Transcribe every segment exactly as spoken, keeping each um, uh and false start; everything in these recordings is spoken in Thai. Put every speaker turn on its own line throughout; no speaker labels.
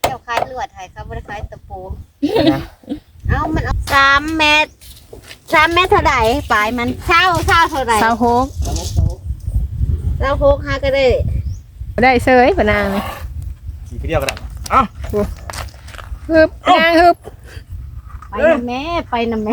จ้าคล้ายลวดไทยเขาไม่ได้คล้ายตะปูเอามันเอาสามเมตรสามเมตรเท่าไหร่ปลายมันเช่าเช่าเท่าไหร่
เศร้าหก
เช่าหกห้าก็ได้
ได้เซยปะนางเลย
ขี่ไปเดียวก็ได้เอ้า
ฮึบนางฮึบ
ไปนะแม่ไปนะแม่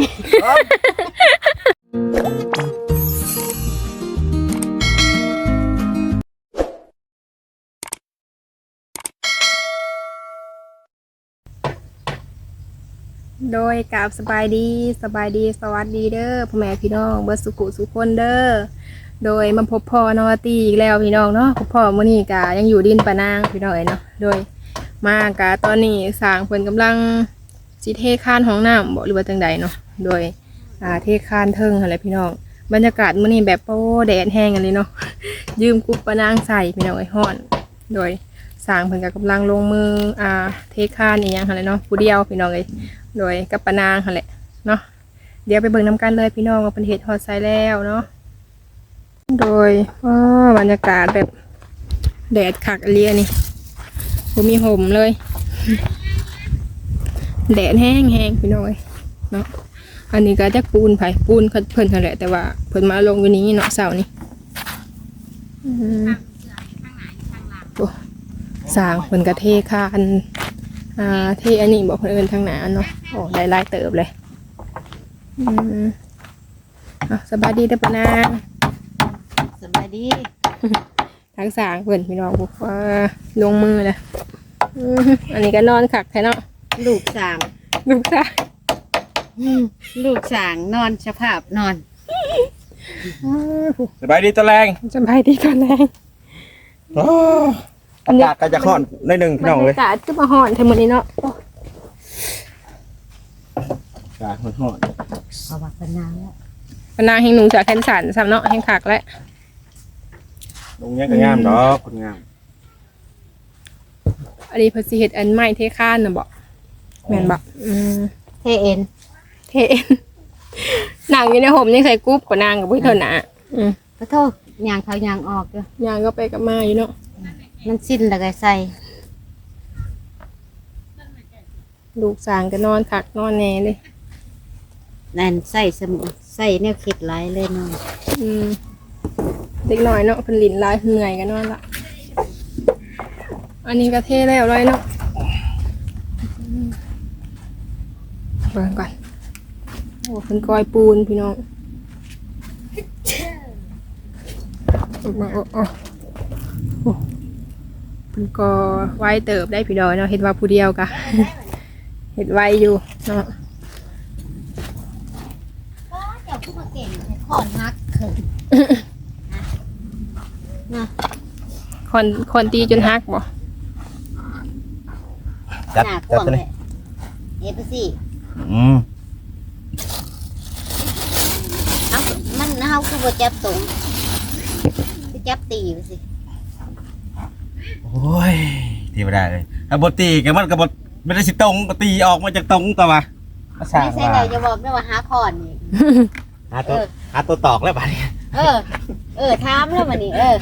โดยกราบสบายดีสบายดีสวัสดีเด้อพ่อแม่พี่น้องเบิร์สุกุสุคนเด้อโดยมาพบพ่อนอตีอีกแล้วพี่น้องเนาะพบพ่อมื้อนี้กะยังอยู่ดินปะนางพี่น้องเอ้ยเนาะโดยมากะตอนนี้สร้างเพิ่นกำลังสิเทคานห้องน้ำบ่หรือว่าจังใดเนาะโดยอ่าเทคานเทิงหั่นแหละพี่น้องบรรยากาศมื้อนี้แบบโอ้แดดแห้งกันเลยเนาะยืมกุ๊บปะนางใส่พี่น้องเอ้ยฮ้อนโดยสร้างเพิ่นก็กำลังลงมืออ่าเทคานอีหยังหั่นแหละเนาะผู้เดียวพี่น้องเอ้ยโดยกับปะนางหั่นแหละเนาะเดี๋ยวไปเบิ่งน้ำกันเลยพี่น้องว่าเป็นเห็ดฮอดไซแล้วเนาะโดยบรรยากาศแบบแดดคักเลียนี่ผมมีห่มเลยแดดแห้งแห้งพี่น้อยเนาะอันนี้ก็จะปูนไผ่ปูนเพิ่นนั่นแหละแต่ว่าเพิ่นมาลงอยู่นี้เนาะเสานี่โอ้สร้างเพิ่นกระเทคานอ่าที่อันนี้บอกคนอื่นทางหนาเนาะโอ้ได้ลายเติบเลยอืมอ่ะสบายดีเด้อปะนาง
สบายดี
ทางสางเพื่อนพี่น้องบอกว่าลงมือเลยอันนี้ก็นอนขักแท้เนาะ
ลูกสาง
ลูกสาง
ลูกสางนอนสภาพนอน
สบายดีตะแรง
สบายดีตอนแรก
อากาศก็จะห่อนได้หนึ่งพี่น้องเลย
อากาศก็มาห่อนทั้งหมดนี้เนาะ
อากาศห่อน
เอาบักปะนางแล้ว
ปะนางแห่งหนูจากแคนสันซ้ำเนาะแห่งขักแล้ว
ลงเนี้ยก็งามดอกคนงาม
อันนี้เพอสิเฮ็ดอันใหม่เทคานน่ะบอกแม่นบอก
เทเอ็น
เทเอ็นนางอยู่ในห่มยังใส่กุ๊บกว่านางกับพี่เธอหนา
ขอโทษยางเขายางออกเลย
ยางก็ไปกับมาอยู่เนาะ
มันสิ้นแล้วก็ใส่
ลูกสางก็นอนขักนอนแน่เลย
นั่นใส่สมุนใส่เนี่ยคิดหลายเลยเนาะ
อืมเด็กหน่อยเนาะเป็นหลินลายเหนื่อยกันนอนละอันนี้ก็เทแล้วเลยเนาะเบิ่งก่อนโอ้เป็นกอยปูนพี่น้องโอ้โอ้โอ้โอ้เป็นกอไว้เติบได้พี่ดอยเนาะเห็ดว่าผู้เดียวกะเห็ดไว้อยู่เนาะ
ก็เจ้าผู้มาเก่งขอนฮักเขินนะ
คนคนตีจนฮักบ่
จัดจัดเลย
เอฟซี
อืม
เอามันเอาคือบ่จับตรงคือจับตีไปสิ
โอ้ยตีไม่ได้เลยถ้าบตีกันมันกับบไม่ได้สิตรงก็ตีออกมาจากตรงตัวมา
ไม่ใช่เลยจะบอกไม่ว่าหาคอนนี่
หาตัวหาตัวตอกแล้วบ้านี้
เออเออถามแล้วมันนี่เออ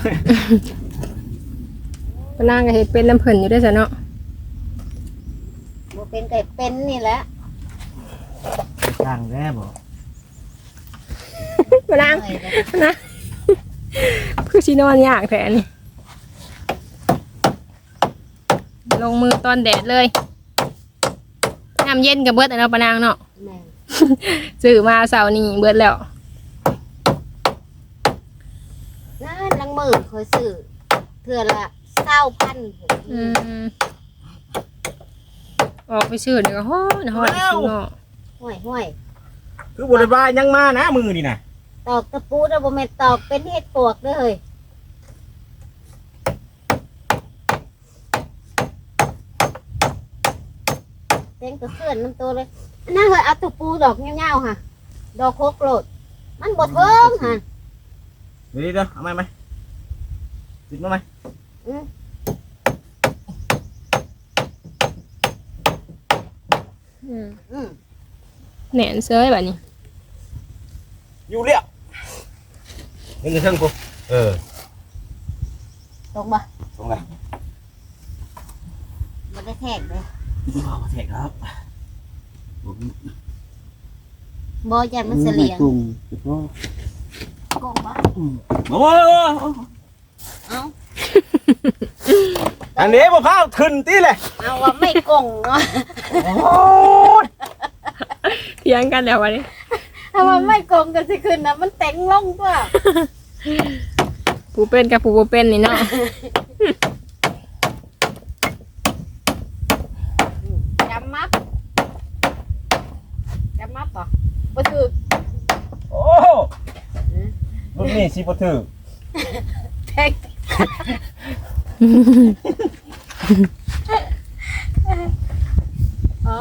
ปนางก็เห็ดเป็นน้ำเพิ่นอยู่ด้วยจ้ะเนาะ
บ่เป็นไก่เป็นนี่แหละ
ช่างแน่บ่
ปนางนะคือชีนอนยากแผลนี่ลงมือตอนแดดเลยน้ำเย็นกับเบิดเอาปนางเนาะซื้อมาเสาร์นี้เบิดแล้ว
นั่นลังมือเคยซื้อเทื่อละเศร้าพัน
ออกไปซื้อเดี๋ยวฮ้อนฮ้อนเนาะ
ห่วยห่วย
คือบริบาลยังมานะมือนี่นะ
ตอกตะปูแล้วบ่แม่นตอกเป็นเห็ดปวกเลยเต็งตัวเสื่อนน้ำตัวเลยน่าเคยเอาตะปูดอกเงี้ยวๆค่ะดอกโคกโลดมันบดเพิ่มค่ะ
เดี๋ยวเดี๋ยวเอาไหมไหมติดมาไหม
แหนนเซยแบบนี้
อยู่เรียบนี่เงินเท่ากูเออ
ตรงบ่
ตรงไหน
มันได้แทกเลย
บ่แทกครับผม
บ่ยันมันเสลียง
กุ้งบ่
โกงบ่
โอ้ย
เอ้า
อันนี้บ่พาขึ้นติเลย
เอาว่าไม่โกงเนาะ
โอ้ย
เถียงกันแล้ววันนี้
ถ้าว่าไม่โกงก็สิขึ้นนะมันเต็งลงตัว
ผู้เป็นกับผู้บ่เป็นนี่เนาะ
จำมับจำมับบ่บ่ถือ
โอ้รุ่นนี้สิบ่ถือ
แทกอ๋อ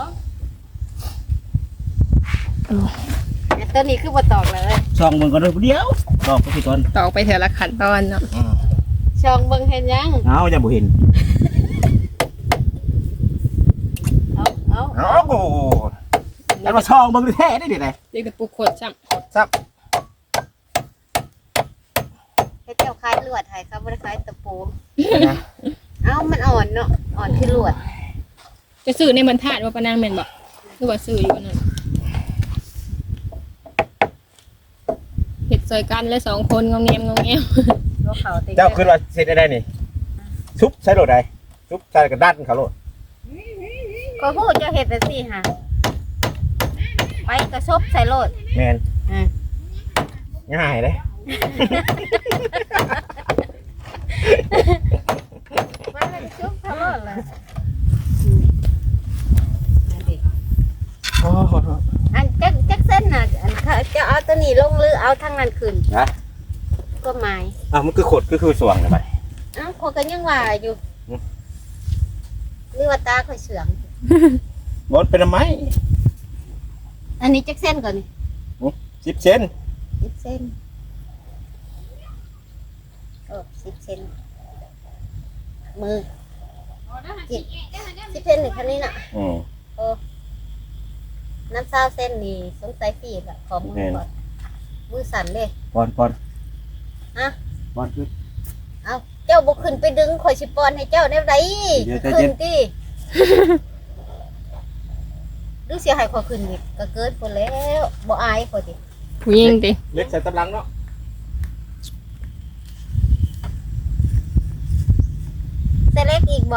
แต่ตัวนี้คือบ่ตอกเลย
ช่องมึงก่อนเด้อเดี๋ยวดอกก็สิก่อน
ตอกไปเถอะละขันตอนเนาะ
ช่องเบิ่งเห็นยัง
เอาอย่าบ่เห็น
เอาเอา
เอาโอ้แล้วมาช่องเบิ่งแท้ได้ดิได
เรียกแต่ปุกขดซ้
ซับ
เฮ็ดเจ้าคล้ายลวดให้เขาบ่ได้คล้ายตะปู
นะ
เอ้ามันอ่อนเนาะอ่อนคือลวด
ำจะซื้อในบรรทัดว่าปานางแม่นบ่หรือว่าซื้ออยู่อันนั่นเฮ็ดซอยกันเลยสองคนงอมแงมงอมแงม
ลวกเขาติ
เจ้าขึ้นว่าเสร็จได้นี่ซุปใช้โหลดใดซุปใส่กระดานเขาโหลด
ก็พูดเจ้าเฮ็ดจังซี่ค่ะไปกระซบใส่โลด
แม่น
อ่า
ง่ายเด้
มันเลยซุบใส่โลดเลยอันนี้
โอ้โห
อันจักจักเส้นน่ะอันเขาจะเอาตัวนี้ลงหรือเอาทางนั้นขึ้น
นะ
ก็หมาย
อ่ะมันคือขดก็คือสว่างเลยไป
เอ้าคนก็ยังว่าอยู่หรือว่าตาค่อยเสื่อม
บดเป็นทำไม
อันนี้จักเส้นก่อนนี่
สิบเซน
สิบเส้นโอ้สิบเส้นมือสิบสิบเส้นหนึ่งคันนี้น่ะ
อืม
โอ้น้ำซาวเส้นนี่สงสัยฝีบอะขอมือก่อนมือสั่นเลย
ปอนปอน
ฮะ
ปอนคือ
เอาเจ้าบุกขึ้นไปดึงข่อยสิปอนให้เจ้าได้ไร
เดี๋ยวใจ
ขึ้
เย็
น
น
ที่ ดูเสียหายข่อยขึ้นอีกก็เกินคนแล้วบ่อายข่อยดิ
ผู้หญิงติ
เล็กใส่ตำลังเนาะ
เสเล็กอีกบ่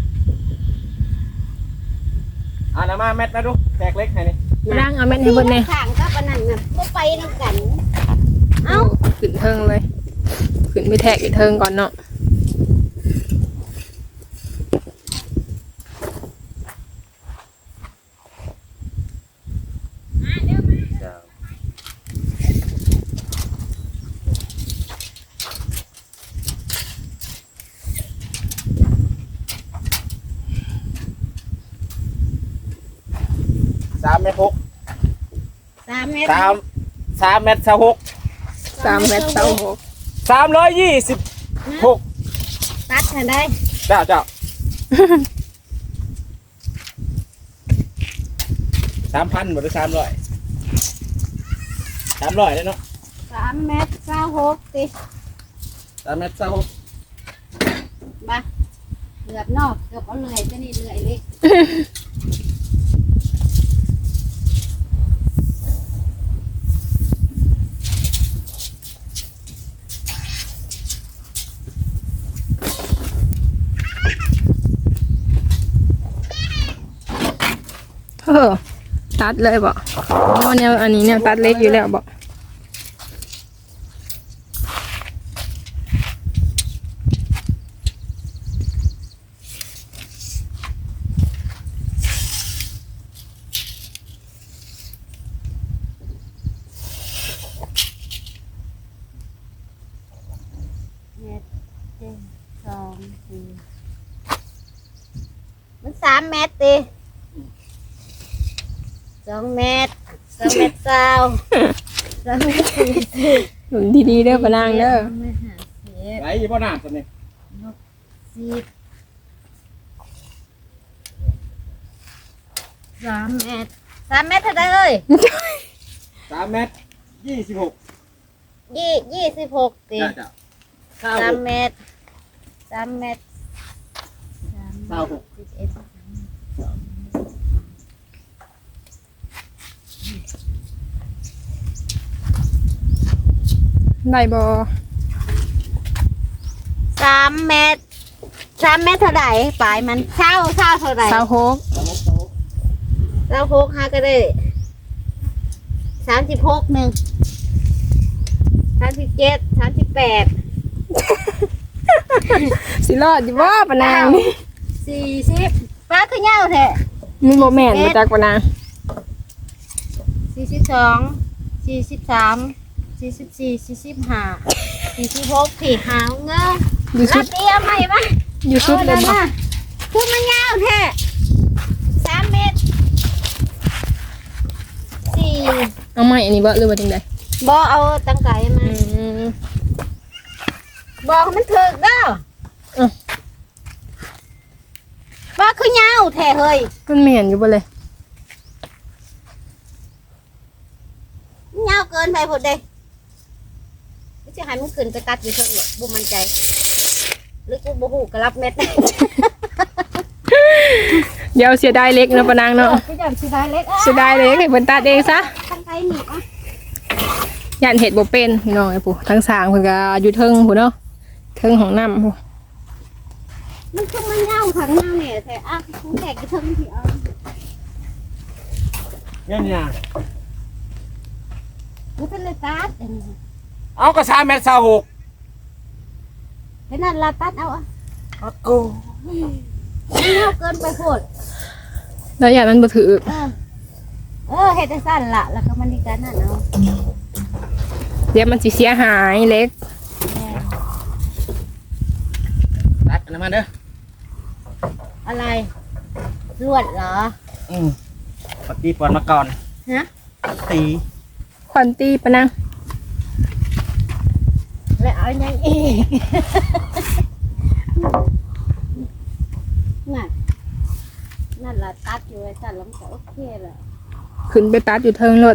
อ่านะมาแมทมาดูแตกเล็กให้นี่
ร่างเอาแม่นให้เบิ่นแน่
ข้างกับอันนั้นน่ะบ่ไปนำกัน เอ้า
ขึ้นเทิงเลยขึ้นไปแทกอีกเทิงก่อนเนาะ
สามเมตรหก
สามเมตร
สามสามเมตรสามหก
สามเมตรเต้าหก
สามร้อยยี่สิบหก
ตัดให้ได้
เจ้าเจ้าสามพันหมดหรือสามร้อยสามร้อยเลยเนาะ
สามเมตรเก้าหกสิ
สามเมตรสามหก
บ่เกือบนอกเกือบเอาเลยจะนี่เลยเลย
เออตัดเลยบ่อ๋อแนวอันนี้แนวตัดเล็กอยู่แล้วบ่
เมตรหนึ่งสองสี่มันสามเมตรดิสองเมตรสองเมตรเศร้าสองเมตรสี่สิบ
หนุนดีๆเด้อปะนางเด้อ
สองเมตรห้าสิบ
ไหนยี่ป้อน้ำตัวนี้
สิบสามเมตรสามเมตรเท่าไหร่เอ้ย
สามเมตรยี่สิบหก
ยี่ยี่สิบหกสิ
เจ้าเจ้าเก้า
สา
ห
ม
ก
เมตรสามเมตรสามเม
เศร้าหก
สิบเอ็ด
ได้บ่
สามเมตรสามเมตรเท่าไหร่ปลายมันเช่าเช่าเท่าไหร่
สาวหก
เราพกฮะก็ได้สามสิบหกหนึ่งสามสิบเจ็ดสามสิบแปด
สิรอดอยู่บ่ปะนางนี่
สี่สิบป้าคือเงาแท้
มีโมแม่นบ่จักปะนาง
สี่สิบสองสี่สิบสามสี่สิบสี่สี่สิบห้าสี่สิบหกสี่หาวเงา
อยู่
รั
สุ
บ
ด
เอียไหมบ้าง
อยู่สุดเลยบ่
คือมันเงาแท้สามเมตรสี่
เอาใหม่อันนี้บ่หรือว่าจังได๋
บอเอาตังไก่มา
อืม
บอกมันถึกเด้อ
เออ
ว่าคือเงาแท้เฮ้ย
มันแม่นอยู่บ่เลย
เงาเกินไปพอดเลยไม่ใช่หันมันขึ้นไปตัดอยู่เถอะหรอกบุมันใจหรือกูบูหูกระรับเม็ด
เดี๋ยวเสียดายเล็กเนาะปะนางเนาะ
พี่จันสีดายเล็ก
เสียดายเล็กให้เพิ่นตัดเองซะ
ตังไก่หนีอ่ะ
ย่านเฮ็ดบ่เป็นพี่น้องไอ้ปู่ทั้งสร้างเพิ่นก็อยู่เทิงพุ่นเนาะเทิงของน้ำพุ่น
มันคือมันเงาถังเงาเนี่ยแต่อ่ะคงแตกกระเทิงที่เอา
เนี่ยเนี่ย
มันเป็นเลยตัด
เอากระชาเม็ดเศร้าหก
เป็นนั่นละตัดเอาอ่ะ
อัดกู
มันเงาเกินไปโพด
แล้วย่านมันบ่ถือ
เออเออเฮ็ดได้สั้นละแล้วก็มันดีกันนั่นเอา
เดี๋ยวมันสิเสียหายเล็ก
ตัดอันนั้นมาเด้อ
อะไรลวดเหรอ
อืมปฏิปอนมาก่อน
ฮะ
ตี
ควันตีปะนาง
แล้วเอายังอีก นั่นนั่นละตัดอยู่ไอ้ตัดแล้วมันก็โอเคแหละ
ขึ้นไปตัดอยู่เทิงรถ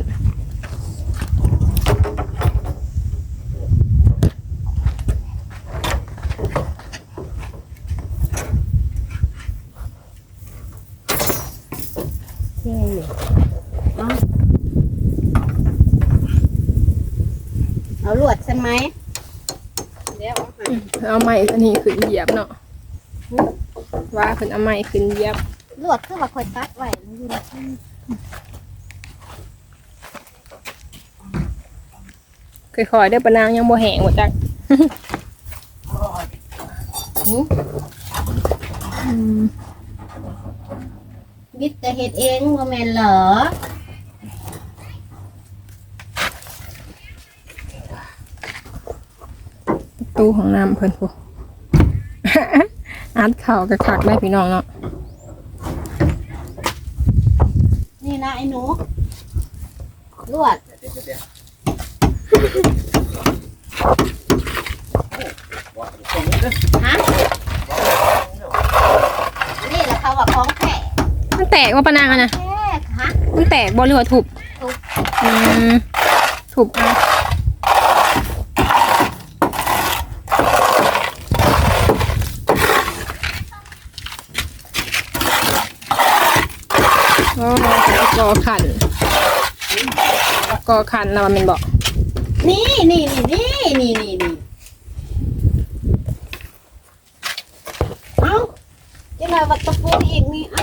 นี่เอาเอาลวดใช่ไหมเดี๋ยวเอาให้
เอาไม้อันนี้ขึ้นเหยียบเนาะว่าเพิ่นเอาไม้ขึ้นเหยียบ
ลวดคือว่าคอยตัดไว้มันอยู่ในที่
ค่อยๆเด้อปะนางยังบ่แห้งบ่จักอืม
บิดแต่เฮ็ดเองบ่แม่นเหรอ
ประตูของน้ำเพิ่นพุ อัดเข่ากระคักได้พี่น้องเนาะ
นี่นะไอ้หนูลวด
เดี๋ยวเดี๋ยว
ฮะนี่แหละเขาว่าของแท้
มันแตกว่าปะนางอะนะ
แท้ฮะ
มันแตกบ่หรือว่าทุบ
ทุบ
อืมทุบเอาโอ้กอขันกอขันแล้วมันเป็นบอก
นี่นี่นี่นี่นี่นี่เอ้าจะหน่อยวัดตะปูอีกนี่เอ้าก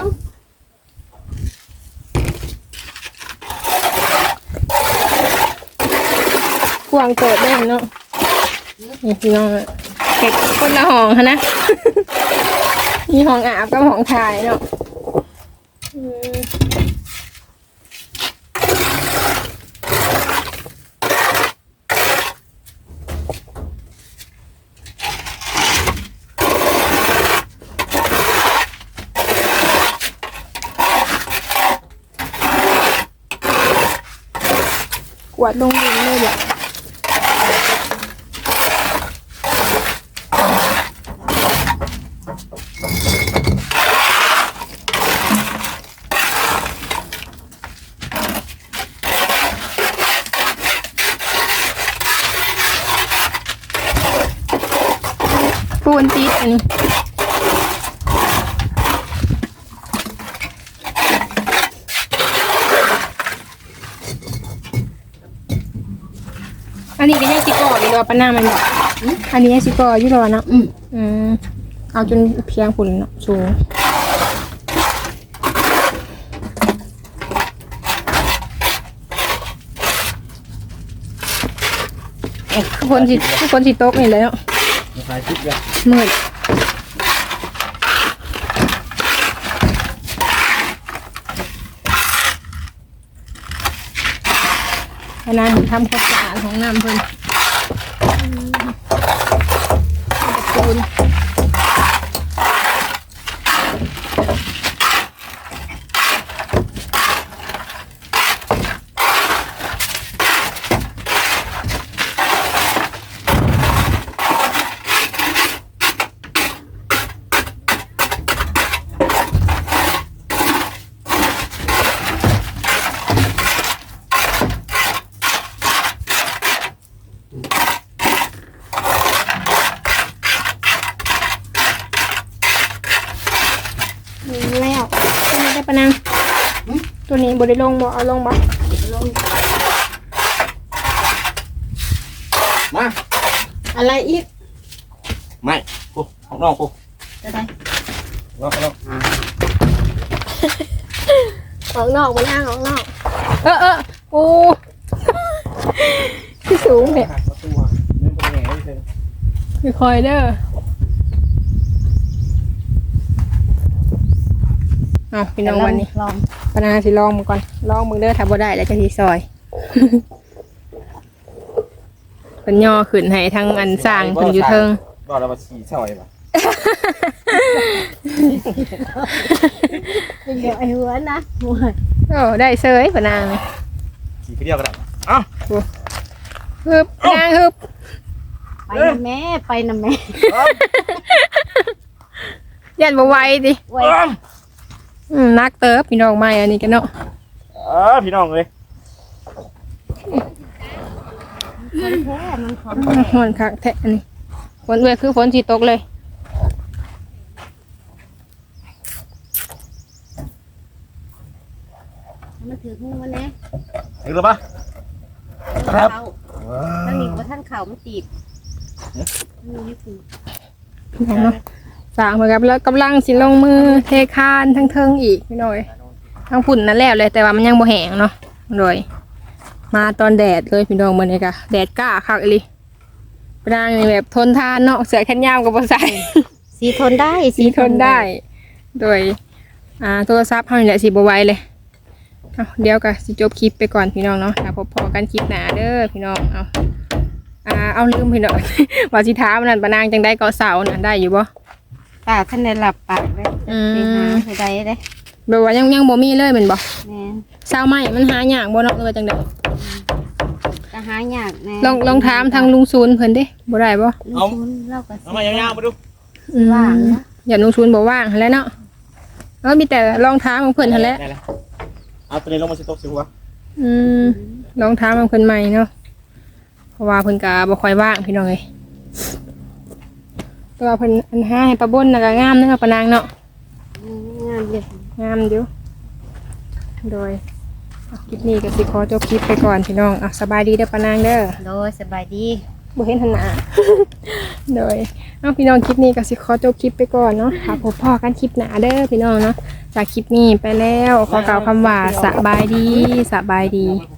วางเกิดได้เนาะนี่พี่น้องเห็ดคนละห้องค่ะนะ มีห้องอาบกับห้องถ่ายเนาะอืมกวาดลงดินเลยเดี๋ยวปูนติดอันนี้ตัวปะหน้ามันบอกอันนี้สิก็อยู่รอเนาะ
อืม
อืมเอาจนเพียงฝุ่นเนาะสูงทุกคนสิทุกคนสิโต๊ะนี่เลยเนาะ
ขายคลิปเลย
มืดพนันทำความสะอาดของน้ำเพิ่นปูนแล้วตัวนี้ได้ปะนางตัวนี้บริลงบ่เอาลงบ่
มา
อะไรอีก
ไม่กูข้างนอกกู
จะได้
นอกนอก
ออกนอกมาย่างออกนอกเออเออโอ้ที่สูงเนี่ย
หักประตูไม่เป็นไงไม่เป็น
คอยเด้อเอาพี่น้องวันนี้
ลอง
ปนาสิลองมึงก่อนลองมึงเด้อถ้าบ่ได้แล้วจะสิซอย เป็นย่อขึ้นให้ทั้งอันสร้างเพิ่นอยู่เทิง
ก็เรามาฉี่ซอยป่ะ
เดี๋ยวไอ้หัวนะหัว
โอ้ได้เซยปนางเลย
ฉี่เดียวก็ได้เอ้า
ฮึบนางฮึบ
ไปนะแม่ไปนะแม่
ยันบ่ไหวดิ
ไว้
อืมนักเติบพี่น้องใหม่อันนี้กันเนาะ
เออพี่น้องเลย
คนแท้มันของ
ฮ้อนคักแท้อันนี้ฝนเว้ยคือฝนสิตกเลย
มันถือหูมันแน่
ถึงแล้วปะครับ
ท่านนี้ว่าท่านเข่ามันตีบมันไม่ตีบ
พี่น้องเนาะสร้างเหมือนกับแล้วกำลังสิลงมือเทคานทั้งเทิงอีกพี่น้อยทั้งฝุ่นนั่นแล้วเลยแต่ว่ามันยังบ่แห้งเนาะโดยมาตอนแดดเลยพี่น้องมื้อนี้ก็แดดกล้าคักอีหลีปรางนี่แบบทนทานเนาะเสื้อแขนยาวก็บ่ใส่
สีทนได้
สีทนได้ โดยอ่าโทรศัพท์เฮานี่แหละสิบ่ไหวเลยเอาเดี๋ยวก็สิจบคลิปไปก่อนพี่น้องเนาะถ้าพบพอกันคลิปหน้าเด้อพี่น้องเอาอ่าเอาลืมพี่น้อง ว่าสิถามนั่นปะนางจังได้เกาะเสาน่ะได้อยู่บ่
ปากท่านได้หลับปากเลย
อืม
ไปหาให้ได้เลย
แบบว่ายังยังบ่มีเลยแม่นบ่
แม่
เสาไม้มันหายากบ่เนาะหรือว่าจังได๋
จะหายากแน่
ลองลองถามทางลุงศูนย์เพิ่นเด้บ่ได้บ่
ลุงชุนเล่ากับ
เอามายาวๆมาดู
อืม
ว่างนะ
อย่าลุงศูนย์บ่ว่างหั่นแหล้วเนาะเออมีแต่ลองถามของเพิ่นหั่นแหละ
ได้แล้วเอาตัวนี้ลงมาสิตกสิหัว
อืมลองถามของเพิ่นใหม่เนาะเพราะว่าเพิ่นก็บ่ค่อยว่างพี่น้องเอ้ยแต่ว่าเพิ่นอันหาให้ป้าบนน่ะก็งามเนาะป้านางเนาะ
อืมงานเยอะ
งามอยู่โดยอ่ะคลิปนี้ก็สิขอจบคลิปไปก่อนพี่น้องอ่ะสบายดีเด้อป้านางเด้อ
โดยสบายดี
บ่เห็นหันหน้า โดยเอาพี่น้องคลิปนี้ก็สิขอจบคลิปไปก่อนเนาะค่ะพบพ่อกันคลิปหน้าเด้อพี่น้องเนาะจากคลิปนี้ไปแล้วขอกล่าวคำว่าสบายดีสบายดี
หั